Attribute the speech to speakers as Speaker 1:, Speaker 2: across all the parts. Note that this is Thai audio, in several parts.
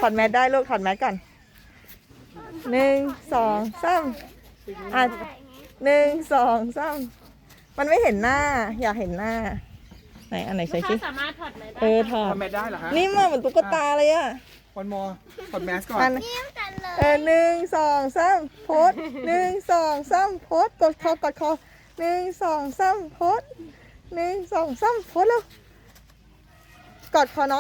Speaker 1: อดแมสได้ลูกถอดแมสก่อน1 2 3อ่ะ1 2 3มันไม่เห็นหน้าอยากเห็นหน้าไหนอันไหน
Speaker 2: ลู
Speaker 1: ใส่
Speaker 2: ก
Speaker 1: ชิ
Speaker 2: ค้าสามารถถอดแมสได้
Speaker 1: ถอด
Speaker 3: ทำแมสได้เหรอฮะ
Speaker 1: นี่มันเหมือนตุ๊กตาเลยอะ
Speaker 3: วันมอถอดแมสก่อน
Speaker 1: อัน
Speaker 4: ยิ้มกันเลย
Speaker 1: 1 2 3โพส1 2 3โพสกดค1 2 3โพส1 2 3โพสแล้วกอดคอน้อง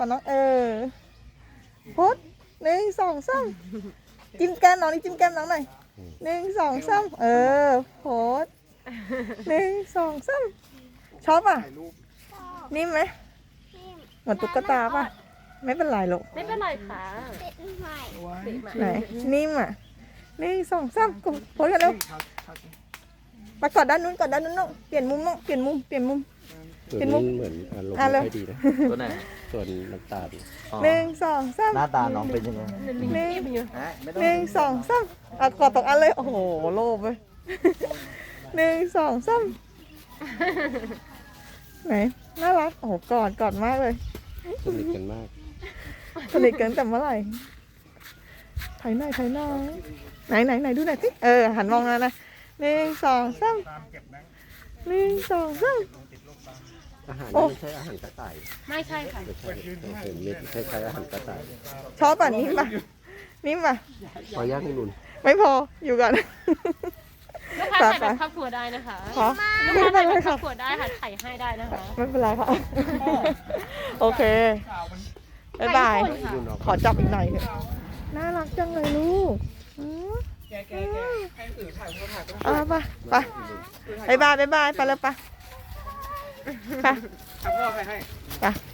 Speaker 1: โพส1 2 3จิ้มแก้มน้องนี่จิ้มแก้มน้องหน่อย1 2 3โพส1 2 3ชอบอ่ะนิ่มไหมเหมือนตุ๊กตาป่ะไม่เป็นไรหรอก
Speaker 2: ไม่เป็นไรค่ะ
Speaker 4: ติดใหม่
Speaker 1: ไหนนิ่มอ่ะ1 2 3กดโพสกันเร็วมากอดด้านนู้นน้องเปลี่ยนมุมน้องเปลี่ยนมุม
Speaker 5: ส่วนนี้เหมือนอารมณ์ไม่ค่อยดีนะ
Speaker 6: ตัวไหน
Speaker 5: ส่วนน้ำตาล
Speaker 1: 1 2 3
Speaker 6: หน้าตาน้องเป็นยังไง
Speaker 1: 1 2 3อ่ะกอดตกอันเลยโอ้โหโลภเลย1 2 3ไหนน่ารักโอ้โหกอดมากเลย
Speaker 5: สนิทกันมาก
Speaker 1: สนิทกันแต่เมื่อไหร่ถ่ายหน่อยไหนดูหน่อยสิหันมองนะ1 2 3 1 2 3
Speaker 5: อาหาร
Speaker 1: โอ้
Speaker 5: นี่ไม่ใช่อาหารกระต่าย
Speaker 2: ไม่ใช่ค่ะ
Speaker 5: ไม่ใช่เห็นเม็ดคล้ายๆอาหารกระต่าย
Speaker 1: ชอบป่ะนิ่มป่ะ
Speaker 5: พอย่างให้นุ่น
Speaker 1: ไม่พออยู่ก่อน
Speaker 2: ลูกค้าถ่ายแบบครอบครัวได้นะคะ
Speaker 1: ขอ
Speaker 2: ลูก
Speaker 1: ไม่
Speaker 2: ค้า
Speaker 1: เป็
Speaker 2: ถ่าน ย
Speaker 1: ไรค่ะ
Speaker 2: แบบครอบครัวได้ค่ะถ่ายให้ได้นะคะ
Speaker 1: ไม่เป็นไรค่ะโอเคบ๊ายบาย
Speaker 2: ถ่ญี่ปุ่นค่ะ
Speaker 1: ขอจับอีกหน่อยเถอะน่ารักจังเลยลูก
Speaker 3: แกให้สื่อถ่ายโพสถ่ายต้อง
Speaker 1: ไปบ๊ายบายไปแล้วไป
Speaker 3: ทำพ่อใครให้
Speaker 1: ไป